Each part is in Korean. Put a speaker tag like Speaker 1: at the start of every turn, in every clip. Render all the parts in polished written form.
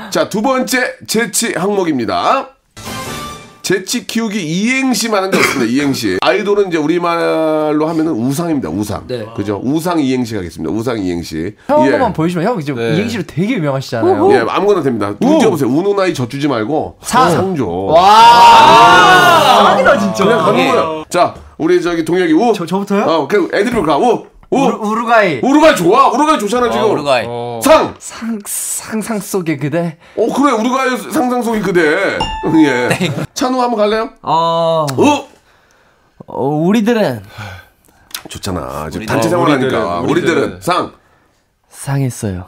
Speaker 1: 자, 두 번째 재치 항목입니다. 재치 키우기 이행시 많은 게 없습니다. 이행시. 아이돌은 이제 우리말로 하면은 우상입니다. 우상.
Speaker 2: 네.
Speaker 1: 그죠? 우상 이행시 가겠습니다. 우상 이행시.
Speaker 3: 형 한번만 보여주시면 형 이제 이행시로 되게 유명하시잖아요.
Speaker 1: 예, 아무거나 됩니다. 눈 띄워보세요. 우는 아이 젖주지 말고 상조.
Speaker 3: 와. 상이다 진짜.
Speaker 1: 그냥 가는 거야. 자, 우리 저기 동혁이 우.
Speaker 3: 저부터요?
Speaker 1: 그냥 애드립을 가. 우.
Speaker 3: 우루과이.
Speaker 1: 우루과이 좋아. 우루과이 좋잖아 지금.
Speaker 2: 우루과이.
Speaker 3: 상상 속의 그대.
Speaker 1: 그래. 우루과이 상상 속의 그대. 예. 찬우 한번 갈래요?
Speaker 3: 우리들은
Speaker 1: 좋잖아. 지금 단체 생활하니까. 우리들은
Speaker 3: 상했어요.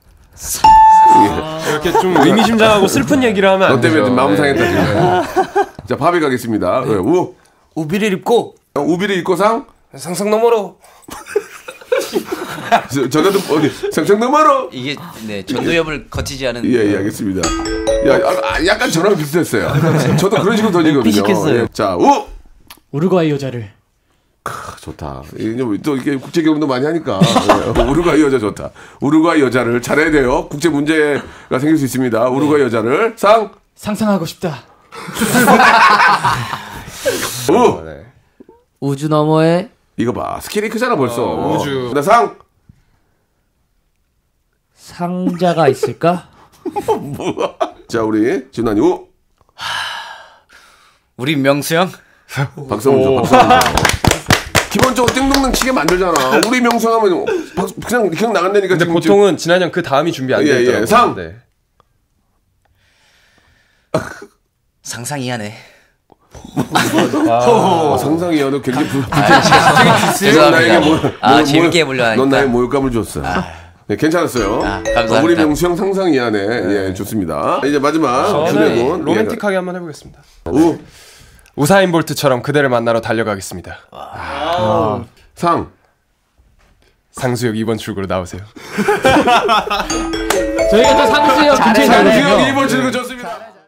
Speaker 4: 이렇게 좀 의미심장하고 슬픈 얘기를 하면 안
Speaker 1: 너 때문에
Speaker 4: 되죠.
Speaker 1: 좀 마음 상했다 지금. 자, 바비 가겠습니다. 네.
Speaker 2: 우비를 입고
Speaker 1: 우비를 입고
Speaker 4: 상상 너머로.
Speaker 1: 전에도 어디 상상 너머로.
Speaker 2: 이게 네 전도엽을 거치지 않은.
Speaker 1: 예, 알겠습니다. 약간 저랑 비슷했어요. 저도 그런 식으로 던지거든요.
Speaker 3: 비식했어요.
Speaker 1: 예. 자,
Speaker 5: 우루과이 여자를.
Speaker 1: 좋다. 또 이게 국제 결혼도 많이 하니까 우루과이 여자 좋다. 우루과이 여자를 잘해야 돼요. 국제 문제가 생길 수 있습니다. 우루과이 여자를
Speaker 5: 상상하고 싶다.
Speaker 3: 우주 너머에
Speaker 1: 이거 봐. 스케일이 크잖아 벌써.
Speaker 4: 우주.
Speaker 1: 나
Speaker 3: 상자가 있을까?
Speaker 1: 뭐야? 자, 우리 진환이
Speaker 2: 우리 명수 형.
Speaker 1: 박수 한번 줘. 기본적으로 띵동댕 치게 만들잖아. 우리 명성하면 그냥 나간다니까.
Speaker 4: 근데
Speaker 1: 지금
Speaker 4: 보통은 진한 형 그 다음이 준비 안 돼 있더라고요. 네.
Speaker 2: 상상 이하네.
Speaker 1: 상상 이하도 굉장히
Speaker 2: 죄송합니다. 재밌게 해보려 하니까.
Speaker 1: 넌 나의 모욕감을 줬어. 네, 괜찮았어요.
Speaker 2: 감사합니다.
Speaker 1: 우리 명수 형 상상 이하네. 예, 좋습니다. 이제 마지막
Speaker 4: 저는 로맨틱하게 한번 해보겠습니다. 우사인 볼트처럼 그대를 만나러 달려가겠습니다. 상수역 2번 출구로 나오세요.
Speaker 5: 저희가 또 상수역 근처에
Speaker 1: 상수역 2번 출구 좋습니다.